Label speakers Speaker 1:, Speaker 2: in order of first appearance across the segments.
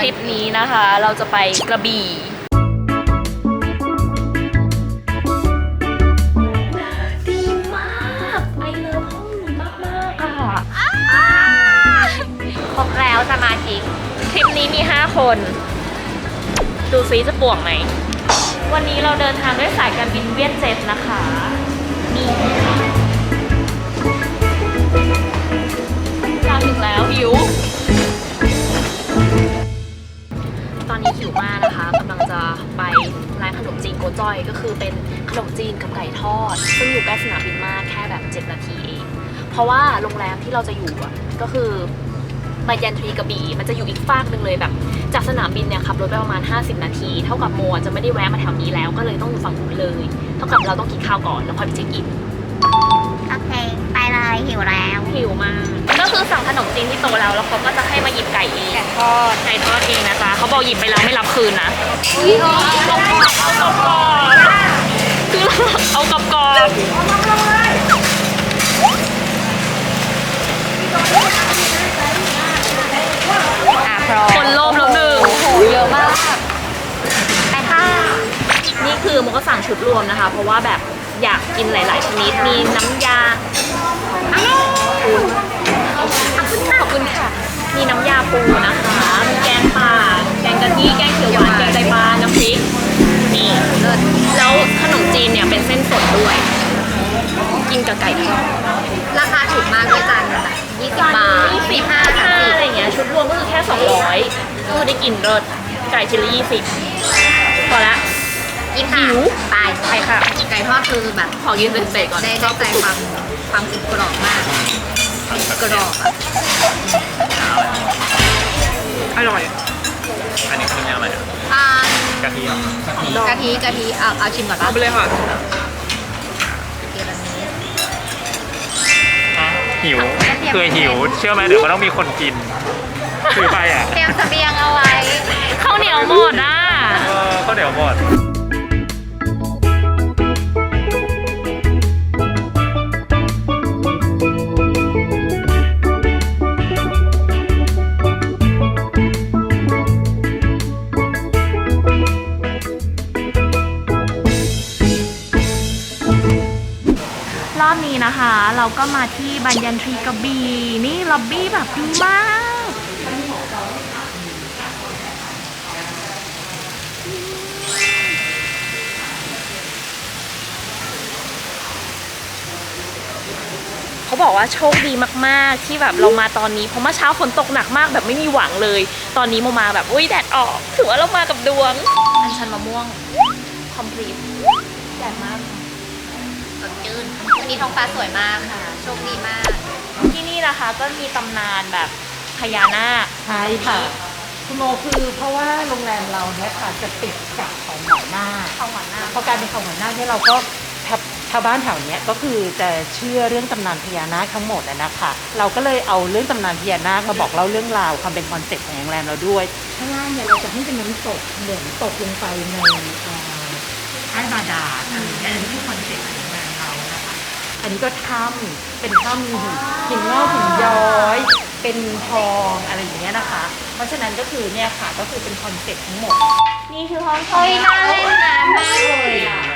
Speaker 1: ทริปนี้นะคะเราจะไปกระบี่ดีมากไอเลิฟห้องนี้มากๆค่ะ
Speaker 2: ครบแล้วสมาชิก
Speaker 1: ทริปนี้มี 5 คนดูซิจะป่วงไหมวันนี้เราเดินทางด้วยสายการบินเวียดเจ็ตนะคะนี่เราถึงแล้วหิวตอนนี้หิวมากนะคะกำลังจะไปร้านขนมจีนโกจ้อยก็คือเป็นขนมจีนกับไก่ทอดซึ่งอยู่ใกล้สนามบินมากแค่แบบ7 นาทีเองเพราะว่าโรงแรมที่เราจะอยู่ก็คือบัญญันทรีกระบี่มันจะอยู่อีกฟากหนึ่งเลยแบบจากสนามบินเนี่ยขับรถไปประมาณ50 นาทีเท่ากับโมจะไม่ได้แวะมาแถวนี้แล้วก็เลยต้องอยู่ฝั่งนู้นเลยเท่ากับเราต้องกินข้าวก่อนแล้วค่อยไปเช็คอิน
Speaker 2: โอเคไปเลยหิวแล้ว
Speaker 1: หิวมากก็คือสั่งขนมจีนที่โต๊ะแล้วเขาก็จะให้มาหยิบไก่เองไก่ทอดเองนะจ๊ะเขาบอกหยิบไปแล้วไม่รับคืนนะคือเอากรอบคนโลภแล้วหนึ่งโหเยอะมาก
Speaker 2: ไปค่ะ
Speaker 1: นี่คือมันก็สั่งชุดรวมนะคะเพราะว่าแบบอยากกินหลายๆชนิดมีน้ำยาขอบคุณค่ะมีน้ำยาปูนะคะมีแกงป่าแกงกะทิแกงเขียวหวานแกงไตปลาน้ำพริกนี่แล้วขนมจีนเนี่ยเป็นเส้นสดด้วยกินกับไก่ทอด
Speaker 2: ราคาถูกมากด้วยจานแบบ20 บาท
Speaker 1: 25อะไรอย่างเงี้ยชุดรวมก็คือแค่200ก็คือได้กินรสไก่ชิ้นละ20พอละ
Speaker 2: กินหิวไป
Speaker 1: ค่ะ
Speaker 2: ไก่ทอดคือแบบ
Speaker 1: ขอกินเสร็จก่อน
Speaker 2: ได้ใจความกรอบมากกรอบ
Speaker 1: อร่อย
Speaker 3: อันนี้คืออะไรอ่ะกะทิ
Speaker 2: กะทิเอาชิมก่อนป่ะ
Speaker 1: เอาไปเลยค่ะ
Speaker 3: หิวคือหิวเชื่อไหมเดี๋ยวมันต้องมีคนกินคือไปอ่ะ
Speaker 2: เตรียมเสบียงเอาไว้
Speaker 1: ข้าวเหนียวหมดอ่ะ
Speaker 3: ข้าวเหนียวหมด
Speaker 1: รอบนี้นะคะเราก็มาที่บัญญันทรีกระบี่นี่ล็อบบี้แบบดีมากเขาบอกว่าโชคดีมากๆที่แบบเรามาตอนนี้เพราะเมื่อเช้าฝนตกหนักมากแบบไม่มีหวังเลยตอนนี้มาแบบอุ้ยแดดออกถือว่าเรามากับดวงอัญชันมะม่วงคอมพลีทแดดมาก
Speaker 2: สดชื่นวันนี้ท้องฟ้าสวยมากค่ะโชคดีมาก
Speaker 1: ที่นี่นะคะก็มีตำนานแบบพญานาค
Speaker 4: ใช่ค่ะคุณโมคือเพราะว่าโรงแรมเราเนี่ยค่ะจะติดกับเขาหัวหน้าเพราะการเป็นเขาหัวหน้าเนี่ยเราก็ชาวบ้านแถวนี้ก็คือจะเชื่อเรื่องตำนานพญานาคทั้งหมดนะคะเราก็เลยเอาเรื่องตำนานพญานาคมาบอกเล่าเรื่องราวความเป็นคอนเซ็ปต์ของโรงแรมเราด้วยข้างล่างเนี่ยเราจะให้เป็นน้ำตกเหมือนตกลงไปในใต้บาดาลอันนี้คือคอนเซ็ปต์ของโรงแรมเรานะคะอันนี้ก็ถ้ำเป็นถ้ำหินงอกหินย้อยเป็นทองอะไรอย่างเงี้ยนะคะเพราะฉะนั้นก็คือเนี่ยค่ะก็คือเป็นคอนเซ็ปต์ทั้งหมด
Speaker 1: นี่คือห้อง
Speaker 2: เฮ้ยน่าเล่นน้ำมากเลยอ่ะ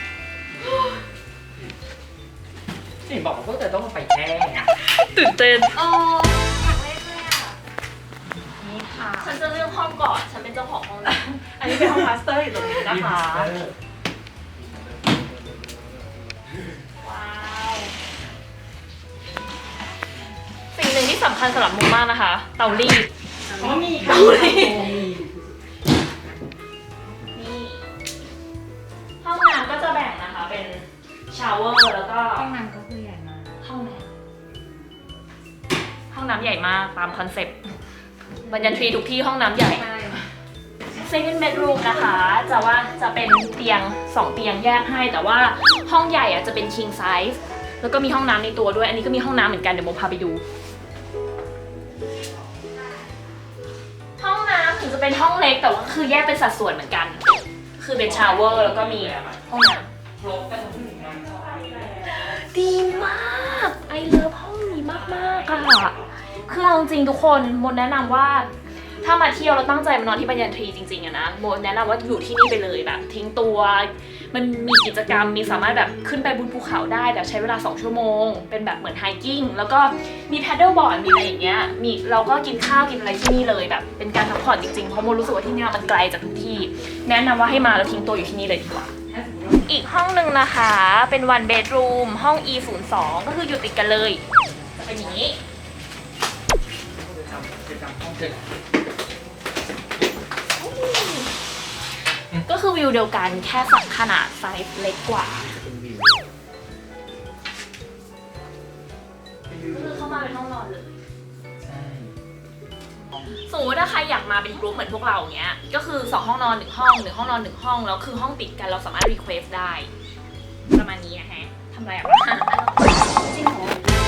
Speaker 4: นี่บอกว่าพวกเธอต้องไปแช่
Speaker 1: ตื่นเต้น
Speaker 2: อยากเล่นเลยอ่ะ
Speaker 1: นี่ค่ะฉันจะเลือกห้องก่อนฉันเป็นเจ้าของห้องอันนี้เป็นห้องมาสเตอร์อยู่ตรงนี้นะคะว้าวสิ่งหนึ่งที่สำคัญสำหรับมุมมากนะคะเตารีด
Speaker 4: มีเตารีด
Speaker 1: นี่ห้องน้ำก็จะแบ่งนะคะเป็นชาวเวอร์แล้วก็
Speaker 2: ห้องน้ำก็คือใหญ่มาก
Speaker 1: ห้องน้ำใหญ่มากตามคอนเซ็ปต์บัญญันทรีทุกที่ห้องน้ำใหญ่second bedroom นะคะจะเป็นเตียง2 เตียงแยกให้แต่ว่าห้องใหญ่จะเป็น king size แล้วก็มีห้องน้ำในตัวด้วยอันนี้ก็มีห้องน้ำเหมือนกันเดี๋ยวโมพาไปดูห้องน้ำถึงจะเป็นห้องเล็กแต่ว่าคือแยกเป็นสัดส่วนเหมือนกันคือเป็นชาวเวอร์แล้วก็มีห้องน้ำดีมากไอเลิฟห้องนี้มากๆอะคือเอาจริงทุกคนมดแนะนำว่าถ้ามาเที่ยวเราตั้งใจมานอนที่บัญญันทรีจริงๆอะนะโมแนะนำว่าอยู่ที่นี่ไปเลยแบบทิ้งตัวมันมีกิจกรรมมีสามารถแบบขึ้นไปบนภูเขาได้แต่ใช้เวลา2 ชั่วโมงเป็นแบบเหมือนไฮกิ้งแล้วก็มีแพดเดิลบอร์ดมีอะไรอย่างเงี้ยมีเราก็กินข้าวกินอะไรที่นี่เลยแบบเป็นการพักผ่อนจริงๆเพราะโมรู้สึกว่าที่นี่มันไกลจากทุกที่แนะนำว่าให้มาแล้วทิ้งตัวอยู่ที่นี่เลยดีกว่าอีกห้องหนึ่งนะคะเป็น one bedroom ห้อง E02 ก็คืออยู่ติดกันเลยจะเป็นอย่างนี้ก็คือวิวเดียวกันแค่สักขนาดไซส์เล็กกว่าคือเข้ามาเป็นห้องนอนเลยสมมติถ้าใครอยากมาเป็นกลุ่มเหมือนพวกเราอย่างเงี้ยก็คือ2 ห้องนอน1 ห้อง1 ห้องนอน1 ห้องแล้วคือห้องติดกันเราสามารถรีเควสได้ประมาณนี้นะฮะทำอะไรอ่ะจริงเหรอ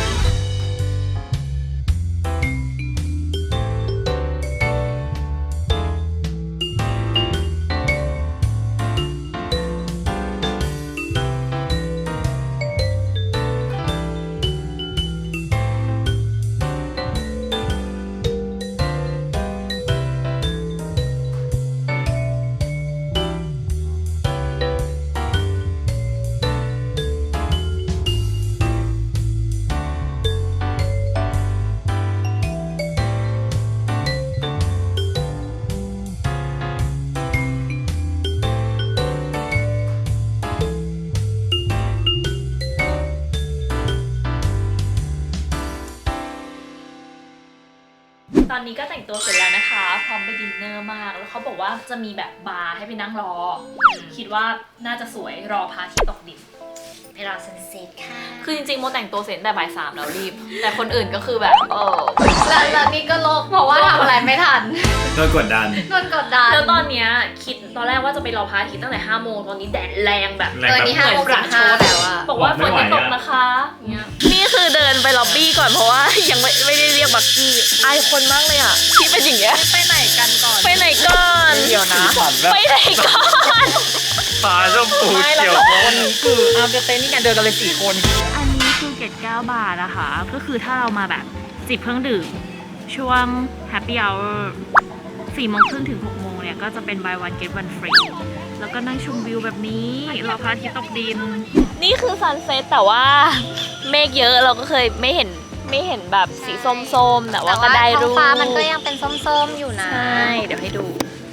Speaker 1: ตอนนี้ก็แต่งตัวเสร็จแล้วนะคะพร้อมไปดินเนอร์มากแล้วเขาบอกว่าจะมีแบบบาร์ให้ไปนั่งรอคิดว่าน่าจะสวยรอพระอาทิตย์ตกดิน
Speaker 2: ไปรอซันเซ็ตค่ะ
Speaker 1: คือจริงๆโมแต่งตัวเสร็จแต่บ่าย 3แล้วรีบ แต่คนอื่นก็คือแบบ
Speaker 2: แล้วนี่ก็โลกเพราะว่าทำอะไรไม่ทัน
Speaker 3: โดนกดดัน
Speaker 2: โดนกดดัน
Speaker 1: แล้วตอนเนี้ยคิดตอนแรกว่าจะไปรอพระอาทิตย์ตั้งแต่5 โมงตอนนี้แดดแรงแบบ
Speaker 2: ตอนนี้5 โมง 15แล้วอะ
Speaker 1: บอกว่าฝนจะตกนะคะนี่คือเดินไปล็อบบี้ก่อนเพราะว่ายังไม่ได้เรียกบักกี้อายคนมากเลยอ่ะที่เป็นอย่างเงี้ยไปไหนกันก่อนไปไหนก่อนเดี๋ยวนะไปไหนก่อน
Speaker 3: ฟ้าชมพูเขียว
Speaker 4: วันนี้คือเอาเต้นนี่กันเดินกันเลย4 คน
Speaker 1: อันนี้คือเกต9 บาทนะคะก็คือถ้าเรามาแบบจิบเครื่องดื่มช่วง Happy Hour 4 โมงครึ่งถึง 6 โมงเนี่ยก็จะเป็น buy one get one free แล้วก็นั่งชมวิวแบบนี้รอพระอาทิตย์ตกดิน นี่คือซันเซ็ตแต่ว่าเมฆเยอะเราก็เคยไม่เห็นแบบสีส้มๆแต่ว่าก็ได้รูป
Speaker 2: ท้องฟ้ามันก็ยังเป็นส้มๆอยู่นะ
Speaker 1: ใช่เดี๋ยวให้ดู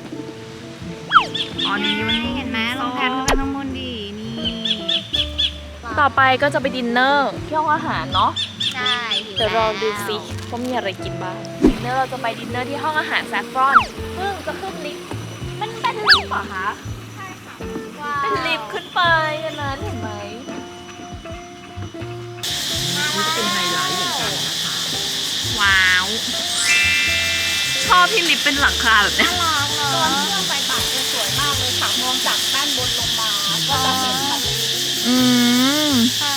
Speaker 1: อ๋อนี่มัน
Speaker 2: เห็นไหมลองแพนขึ้นไปข้างบนดีนี่
Speaker 1: ต่อไปก็จะไปดินเนอร์ที่ห้องอาหารเนาะ
Speaker 2: ใช่หิ
Speaker 1: เดี๋ยวรอดูสิว่ามีอะไรกินบ้างดินเนอร์เราจะไปดินเนอร์ที่ห้องอาหารแซฟรอนซึ่งจะขึ้นลิฟต์มันเป็นลิฟต์เหรอคะ
Speaker 2: ว้าว
Speaker 1: เป็นลิฟต์ขึ้นไปอันนั้นเห็นไหม
Speaker 4: นี่จะเป็นไฮไลท์เหมือนกันนะคะ
Speaker 1: ว้าวชอบที่ลิฟต์เป็นหลังคาแบบเนี้ย
Speaker 2: น่ารักเนอะ
Speaker 5: ตอนที่เราไปป่าจะสวยมากเลยค่ะมองจากด้านบนลงมา ก็จะเห็นทะเล
Speaker 1: อืม
Speaker 2: ค่ะ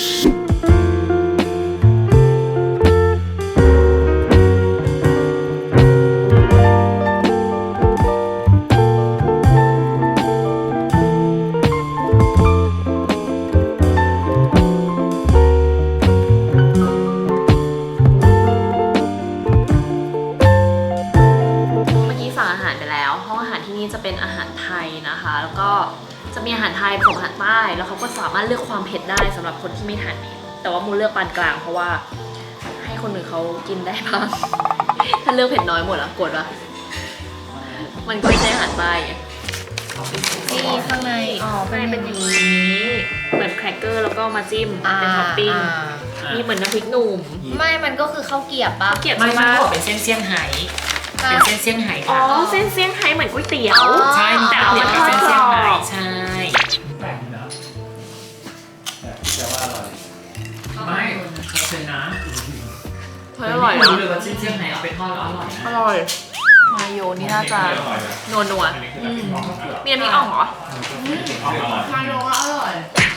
Speaker 1: เมื่อกี้สั่งอาหารไปแล้วห้องอาหารที่นี่จะเป็นอาหารไทยนะคะ แล้วก็จะมีอาหารไทยผสมอาหารใต้แล้วเขาก็สามารถเลือกความเผ็ดได้สำหรับคนที่ไม่ทานเผ็ดแต่ว่ามูเลือกปานกลางเพราะว่าให้คนอื่นเขากินได้บ้าง ถ้าเลือกเผ็ดน้อยหมดอะกดวะมันก็ไม่ใช่อาหารใต้ไง
Speaker 2: นี่ข้างใน
Speaker 1: อ๋อเป็นอย่างนี้เหมือนแครกเกอร์แล้วก็มาจิ้มเป็นท็อปปิ้งมีเหมือนน้ำพริกหนุ่ม
Speaker 2: ไม่มันก็คือข้าวเกรี๊ยวปะ
Speaker 1: เกลียด
Speaker 4: ไม่
Speaker 1: มาก
Speaker 4: ขอเป็นเส้นเซี่ยงไฮ้เป็นเส้นเซี่ยงไฮ้
Speaker 1: อ๋อ
Speaker 4: ค่ะ
Speaker 1: เส้นเซี่ยงไฮ้เหมือนก๋วยเตี๋ยว
Speaker 2: อ๋อ
Speaker 4: ใช่มี
Speaker 1: แต่
Speaker 4: แต่
Speaker 1: เอา
Speaker 4: เปลี่ย
Speaker 1: มาน ท
Speaker 4: เป็
Speaker 1: อน ด
Speaker 4: เส้น
Speaker 1: กร
Speaker 4: เซี่ยง
Speaker 1: อ
Speaker 4: ไฮ้
Speaker 1: บ
Speaker 4: ใช่
Speaker 3: แปลกนะแต่ว่าอร่อย
Speaker 4: ไม่เขาเป็นนะ
Speaker 1: เฮ้ยอร่อย
Speaker 4: ไม่
Speaker 1: นะ
Speaker 4: รู้เลยว่าเส้นเซี่ยงไฮ้เอาไปทอดแล้วอร่อยนะ
Speaker 1: อร่อยมาโยนี่น่าจะนัวนัว
Speaker 3: อันนี้คือน้ำพริกอ่องเผือก
Speaker 1: มีน้ำพริกอ่องเหรอ
Speaker 3: อ่องอร่อย
Speaker 2: มาโยอร่อย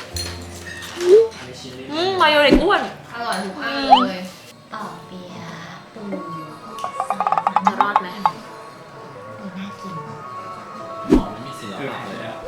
Speaker 1: มาโยเด็กอ้วน
Speaker 2: อร่อยทุกอันเลยต่อเบียร์ปู
Speaker 1: จะรอดไหม
Speaker 2: ดูน่ากิน
Speaker 3: หอมไม่มีศิลปะเลยอะ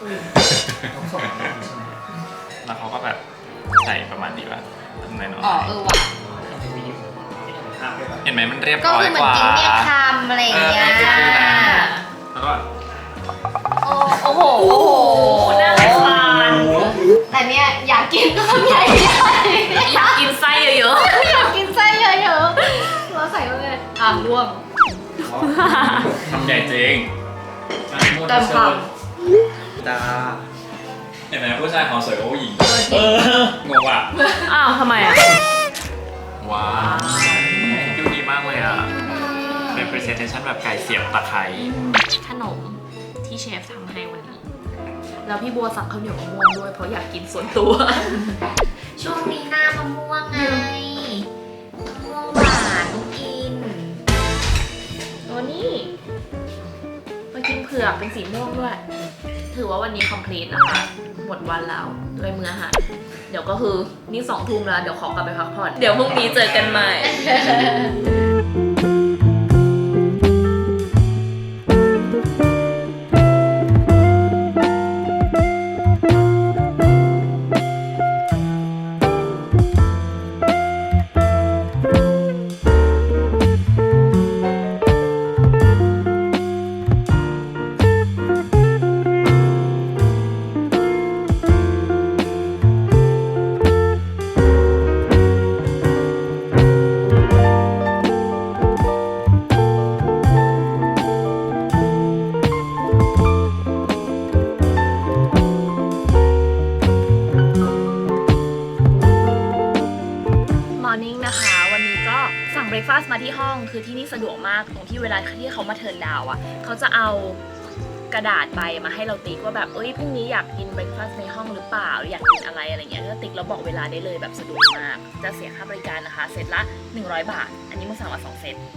Speaker 3: แล้วเขาก็แบบใส่ประมาณนี้ว่าในน้อย
Speaker 2: อ๋อว่ะ
Speaker 3: เห็นไหมมันเรียบ
Speaker 2: ก็
Speaker 3: ร้อย
Speaker 2: คือเหมื
Speaker 3: ก
Speaker 2: อน
Speaker 3: ว่า
Speaker 2: กินเมี่ยงคำอะไรอย่างเงี้ย
Speaker 3: แล้วก็
Speaker 2: โอ้โหน่าสงสารแต่เนี่ยอยากกินก็ใหญ่ๆ
Speaker 1: อยากกินไส้เยอะ
Speaker 2: อยากกินไส้เยอะๆเราใส่เข้าไปร่วง
Speaker 3: ทำใหญ่จริง
Speaker 2: เต็มค
Speaker 3: ตาเห็นไหมผู้ชายเขาสวยกว่าผู้หญิงงงอ่ะ
Speaker 1: ๆอ้าวทำไมอ่ะ
Speaker 3: ว้าวดูดีมากเลยอ่ะ เป็น presentation แบบไก่เสียบตะไคร้
Speaker 1: ขนมที่เชฟทำให้วันนี้ แล้วพี่บัวสั่งข้าวเหนียวมะม่วงด้วยเพราะอยากกินส่วนตัว
Speaker 2: ช่วงนี้หน้ามะม่วงไงมะม่วงหวานกิน
Speaker 1: ตัวนี้มากินเผือกเป็นสีม่วงด้วย ถือว่าวันนี้ complete นะคะ หมดวันแล้วด้วยมื้ออาหาร เดี๋ยวก็คือนี่2 ทุ่มแล้ว เดี๋ยวขอกลับไปพักผ่อน เดี๋ยวพรุ่งนี้เจอกันใหม่ Morning นะคะ วันนี้ก็สั่งเบรคฟาสต์มาที่ห้องคือที่นี่สะดวกมากตรงที่เวลาที่เขามาเทิร์นดาวน์อ่ะเขาจะเอากระดาษใบมาให้เราติ๊กว่าแบบเอ้ยพรุ่งนี้อยากกินเบรคฟาสต์ในห้องหรือเปล่าหรืออยากกินอะไรเงี้ยก็ติ๊กแล้วบอกเวลาได้เลยแบบสะดวกมากจะเสียค่าบริการนะคะเซตละ100 บาทอันนี้มึงสั่งมา2 เซต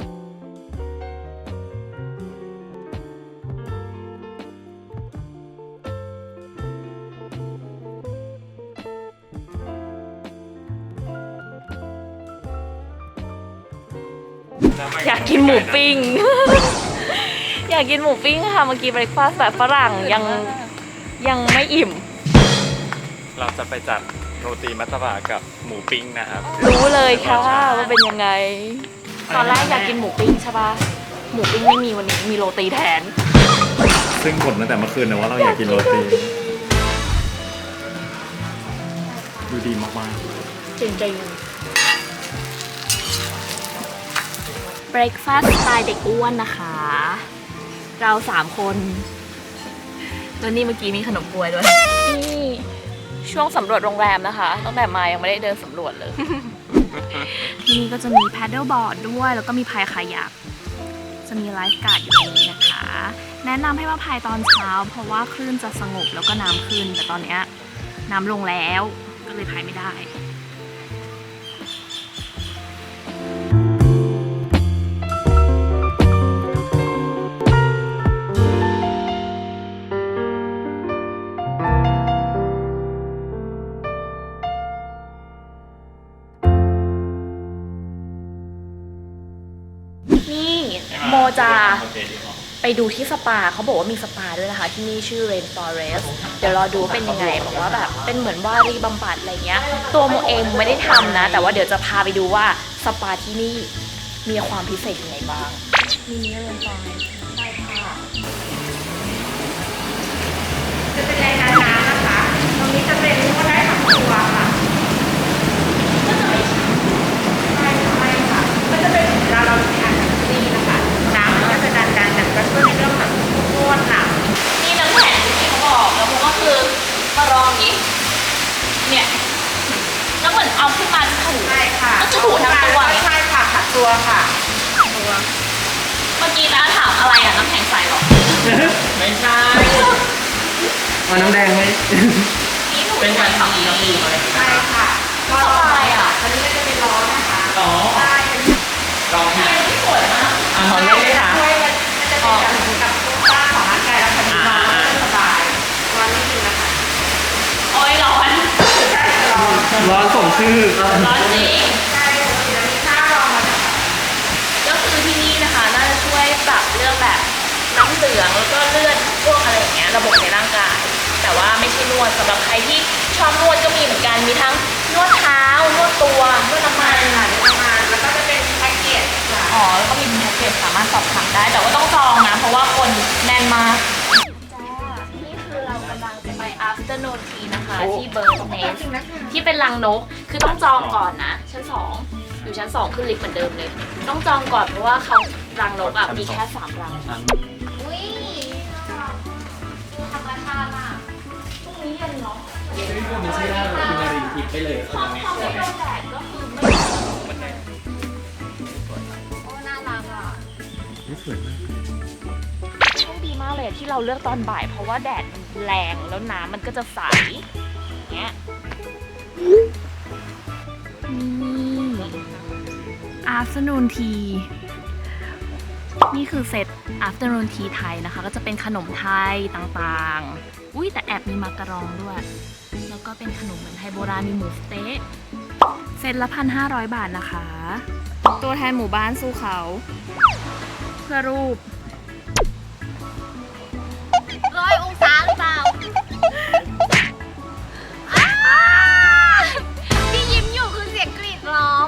Speaker 1: อยากกินหมูปิ้ง อยากกินหมูปิ้งค่ะเมื่อกี้เบรคฟาสต์แบบฝรั่งยังไม่อิ่ม
Speaker 3: เราจะไปจัดโรตีมัตตบะกับหมูปิ้งนะครับ
Speaker 1: รู้เลยค่ะว่าเป็นยังไง ตอนแรกอยากกินหมูปิ้งใช่ปะหมูปิ้งไม่มีวันนี้มีโรตีแทน
Speaker 3: ซึ่งบ่นตั้งแต่เมื่อคืนนะว่าเราอยากกินโรตี ดูดีมากๆ
Speaker 1: จริงๆเบรคฟาสต์สไตล์เด็กอ้วนนะคะ เรา3 คนแล้วนี่เมื่อกี้มีขนมกล้วยด้วย นี่ช่วงสำรวจโรงแรมนะคะตั้งแต่มายังไม่ได้เดินสำรวจเลย ที่นี่ก็จะมีแพดเดิลบอร์ดด้วยแล้วก็มีพายคายักจะมีไลฟ์การ์ดอยู่ตรงนี้นะคะ แนะนำให้มาพายตอนเช้าเพราะว่าคลื่นจะสงบแล้วก็น้ำขึ้นแต่ตอนเนี้ยน้ำลงแล้วก็เลยพายไม่ได้ นี่โมจะไปดูที่สปาเขาบอกว่ามีสปาด้วยนะคะที่นี่ชื่อ Rain Forest เดี๋ยวรอดูเป็นยังไงบอกว่าแบบเป็นเหมือนวารีบำบัดอะไรเงี้ยตัวโมเองไม่ได้ทำนะแต่ว่าเดี๋ยวจะพาไปดูว่าสปาที่นี่มีความพิเศษยังไงบ้างนี่ Rain Forest ใช่ค่ะ
Speaker 5: จะเป็นรายการน้ำนะคะ ตรงนี้จะเป็นนวดได้ทั้งตัวค่ะก็จะไม่ไม่ค่ะก็จะเป็นเวลาเราทานแบบนี้นะคะน้ำมันก็จะดันก็ช่วยในเรื่องแบบนวดหลัง
Speaker 1: นี่น้ำแข็งที่เขาบอกแล้วมันก็คือมาลองนี้เนี่ยแล้วเหมือนเอาขึ้นมาถู
Speaker 5: ใช่ค่ะ
Speaker 1: ก็จะถูทั้งตัว
Speaker 5: ใช่ค่ะขัดตัวค่ะตัว
Speaker 1: เมื่อกี้นะถามอะไรอ่ะน้ำแข็งใสหรอ
Speaker 3: ไม่ใช่
Speaker 6: เอาน้ำแดงไหม
Speaker 1: นี่ถูเป็นการทำน้ำมูกอะไร
Speaker 5: ใช่ค่ะ
Speaker 1: ก็อะไรอ่ะ
Speaker 5: อันนี้ก็จะเป็นร้อนนะคะ
Speaker 3: อ๋อ
Speaker 5: ใช่
Speaker 3: ลองที่
Speaker 1: ที่สวยมาก
Speaker 3: อ่ะขอเล่นได้ค่ะ
Speaker 5: ช่วยมันจะเป็นกับตัวกล้าของร่างกายแล้วค่ะนอนแล้วสบายนอนไม่ดีนะคะ
Speaker 1: โอ้ยร้อน
Speaker 5: ใช่ร้อน
Speaker 6: ร้อนสมชื่อ
Speaker 1: ร้อนจริง
Speaker 5: ใช่ปกติเรามีค่ารองมาจาก
Speaker 1: ก็คือที่นี่นะคะน่าจะช่วยปรับเรื่องแบบน้ำเหลืองแล้วก็เลือดพวกอะไรอย่างเงี้ยระบบในร่างกายแต่ว่าไม่ใช่นวดสำหรับใครที่ชอบนวดก็มีเหมือนกันมีทั้งนวดเท้านวดตัวนวดน้ำมัน
Speaker 5: ค่ะประมาณแล้วก็จะเป็นแพ็กเกจค่ะ
Speaker 1: อ๋ออ๋อแล้วก็มีแพ็กเกจสามารถสอบถามได้แต่ว่าต้องจองนะเพราะว่าคนแน่นมากจ้านี่คือเรากำลังจะไป afternoon tea นะคะที่ Bird Nest ที่เป็นรังนกคือต้องจองก่อนนะชั้น 2อยู่ชั้น 2ขึ้นลิฟต์เหมือนเดิมเลยต้องจองก่อนเพราะว่าเขารังนกอ่ะมีแค่3รัง
Speaker 2: อุ้ยธรรมชาติอ่ะ
Speaker 1: พรุ่งนี้เย็นเนาะ
Speaker 6: มันชื่อว่าคุณนารีทิพย์ไปเลย
Speaker 1: พอไม่โดนแดดก็คือไม่
Speaker 2: โอ้น่ารักอ่ะ
Speaker 6: สวยมาก
Speaker 1: โชคดีมากเลยที่เราเลือกตอนบ่ายเพราะว่าแดดมันแรงแล้วน้ำมันก็จะใสอย่างเงี้ยafternoon tea นี่คือเซต afternoon tea ไทยนะคะ ก็จะเป็นขนมไทยต่างๆอุ้ยแต่แอบมีมักกะรองด้วย แล้วก็เป็นขนมเหมือนไทยโบราณมีหมูสเต๊ะเซตละ 1,500 บาทนะคะ ตัวแทนหมู่บ้านสู้เขา เพื่อรูป
Speaker 2: 100 องศาหรือเปล่าที่ยิ้มอยู่คือเสียงกรีดร้อง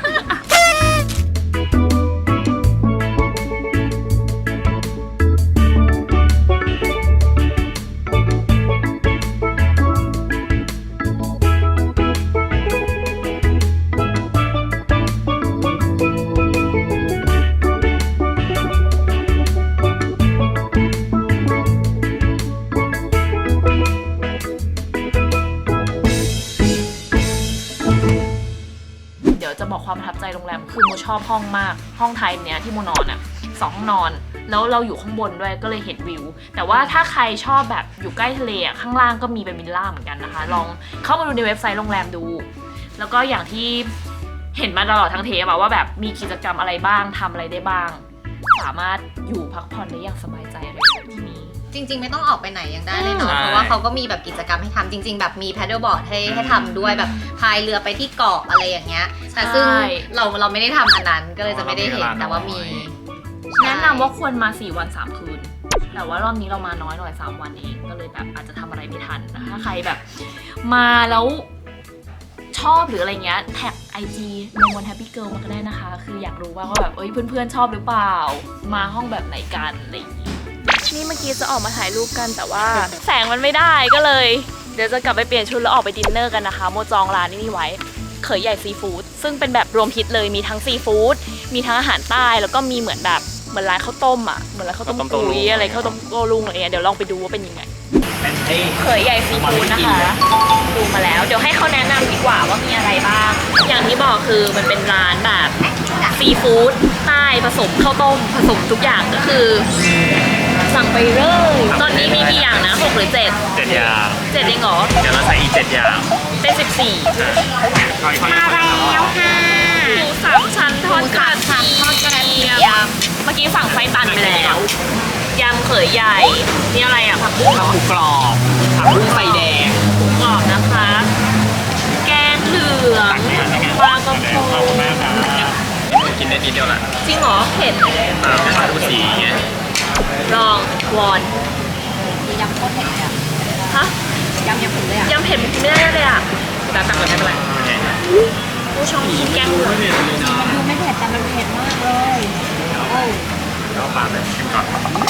Speaker 1: เดี๋ยวจะบอกความประทับใจโรงแรมคือโมชอบห้องมากห้องไทยเนี้ยที่โมนอนอ่ะ2 ห้องนอนแล้วเราอยู่ข้างบนด้วยก็เลยเห็นวิวแต่ว่าถ้าใครชอบแบบอยู่ใกล้ทะเลอ่ะข้างล่างก็มีเป็นวิลล่าเหมือนกันนะคะลองเข้ามาดูในเว็บไซต์โรงแรมดูแล้วก็อย่างที่เห็นมาตลอดทั้งเทปว่าแบบมีกิจกรรมอะไรบ้างทำอะไรได้บ้างสามารถอยู่พักผ่อนได้อย่างสบายใจเลยที่นี่
Speaker 2: จริงๆไม่ต้องออกไปไหนยังได้เลยเนาะเพราะว่าเขาก็มีแบบกิจกรรมให้ทำจริง ๆ แบบมีแพดเดิลบอร์ดให้ทำด้วยแบบพายเรือไปที่เกาะอะไรอย่างเงี้ยแต่ซึ่งเราไม่ได้ทำอันนั้นก็เลยจะไม่ได้เห็นแต่ว่ามี
Speaker 1: แนะนำว่าควรมา4 วัน 3 คืนแต่ว่ารอบนี้เรามาน้อยหน่อย3 วันเองก็เลยแบบอาจจะทำอะไรไม่ทันนะคะถ้าใครแบบมาแล้วชอบหรืออะไรเงี้ยแท็ก IG โนวันแฮปปี้เกิร์ลมาก็ได้นะคะคืออยากรู้ว่าแบบเพื่อนๆชอบหรือเปล่ามาห้องแบบไหนกันอะไรอย่างงี้นี่เมื่อกี้จะออกมาถ่ายรูปกันแต่ว่าแสงมันไม่ได้ก็เลยเดี๋ยวจะกลับไปเปลี่ยนชุดแล้วออกไปดินเนอร์กันนะคะโมจองร้านนี่ไว้เขยใหญ่ซีฟู้ดซึ่งเป็นแบบรวมฮิตเลยมีทั้งซีฟู้ดมีทั้งอาหารใต้แล้วก็มีเหมือนแบบเหมือนร้านข้าวต้มอ่ะเหมือนร้านข้าวต้มกุ้ยอะไรข้าวต้มโกลุงอะไรเงี้ยเดี๋ยวลองไปดูว่าเป็นยังไงเขยใหญ่ซีฟู้ดนะคะดูมาแล้วเดี๋ยวให้เขาแนะนำดีกว่าว่ามีอะไรบ้างอย่างที่บอกคือมันเป็นร้านแบบซีฟู้ดใต้ผสมข้าวต้มผสมทุกอย่างก็คือสั่งไปเลยตอนนี้มีกี่อย่างนะ6 หรือ 7
Speaker 3: 7 อย่าง
Speaker 1: 7เองเหรอ
Speaker 3: เดี๋ยวเราใส่อีก7 อย่าง
Speaker 1: เป็น14มาแล้วค่ะหมู3 ชั้นทอดกระเทียมเมื่อกี้สั่งไส้ตันไปแล้วยำเขยใหญ่นี่อะไรอ่ะผักบุ้งเหรอ
Speaker 6: หมูกรอบผักบุ้งไฟแดง
Speaker 1: หมูกรอบนะคะ แกงเหลืองปลากระพง
Speaker 3: กินได้นิดเดียวแหละ
Speaker 1: จริงเหรอเผ็ด
Speaker 3: มาดูสีไง
Speaker 1: ลองวอน
Speaker 2: ยำโคตรเผ็ดเลยอ่ะ
Speaker 1: ฮะ
Speaker 2: ยำเผ็ดเลยอ่ะ
Speaker 1: ยำเผ็ดไม่ได้เลยอ่ะแต่ตักเลยไม่เป็นไรผู้ชมกินแกงเหลือง
Speaker 2: มันดูไม่เผ็ดแต่มันเผ็ดมากเลยโอ้
Speaker 3: เราปาไปชิมก่อน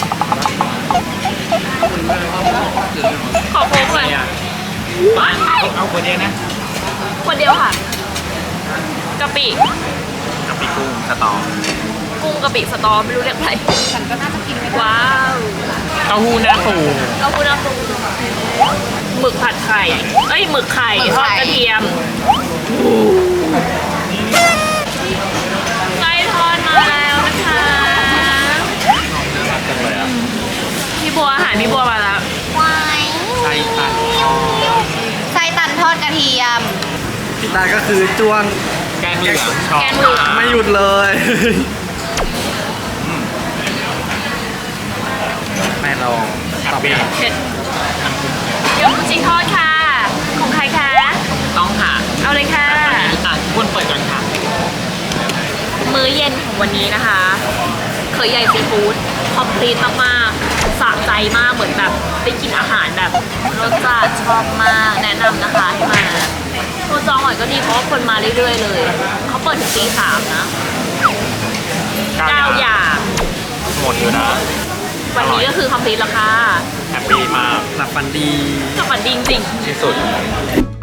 Speaker 1: ขอโค้กเลย
Speaker 6: เอาคนเดียวนะ
Speaker 1: คนเดียวค่ะกะปิ
Speaker 3: กับปีกุ้งสตอ
Speaker 1: กุ้งกะปิสตอไม่รู้เรียกอะไร
Speaker 2: ฉันก็น่าจะกินไม่ได้
Speaker 1: ว้าว
Speaker 6: เต้าหู้หน้าปู
Speaker 1: เราคุณเอาหมึกผัดไข่เอ้ยหมึกไข่ทอดกระเทียมไก่ทอดมาแล้วนะคะ
Speaker 3: จังเลยอ่ะ
Speaker 1: พี่บัวอาหารพี่บัวมาแล้ว
Speaker 2: วาย
Speaker 6: ไส้ตัน
Speaker 2: ไส้ตันทอดกระเทียม
Speaker 6: พี่ตาก็คือจ้วงแกงเหลือง
Speaker 1: แกงเหลือง
Speaker 6: ไม่หยุดเลย แม่ลองต่อไป
Speaker 1: เผ็ดเดี๋ยวจริงทอดค่ะ ของใครคะ
Speaker 6: ต้องค่ะ
Speaker 1: เอาเลยค่ะ
Speaker 6: อ่ะคุณเปิดก่อนค่ะ
Speaker 1: มื้อเย็นของวันนี้นะคะ เคยใหญ่ซีฟู้ดคอมพลีทมากๆสะใจมากเหมือนแบบได้กินอาหารแบบรสจัดชอบมากแนะนำนะคะให้มาตัวจองหน่อยก็ดีเพราะว่าคนมาเรื่อยๆเลยเขาเปิดถึงตี 3นะ 9 อย่าง
Speaker 3: หมดอยู่นะ
Speaker 1: วันนี้ก็คือคอมพลีทแล้วค่ะ
Speaker 3: แฮปปี้มาก
Speaker 6: หลับฝันดี
Speaker 1: กับฝันดีจริง
Speaker 3: ที่สุด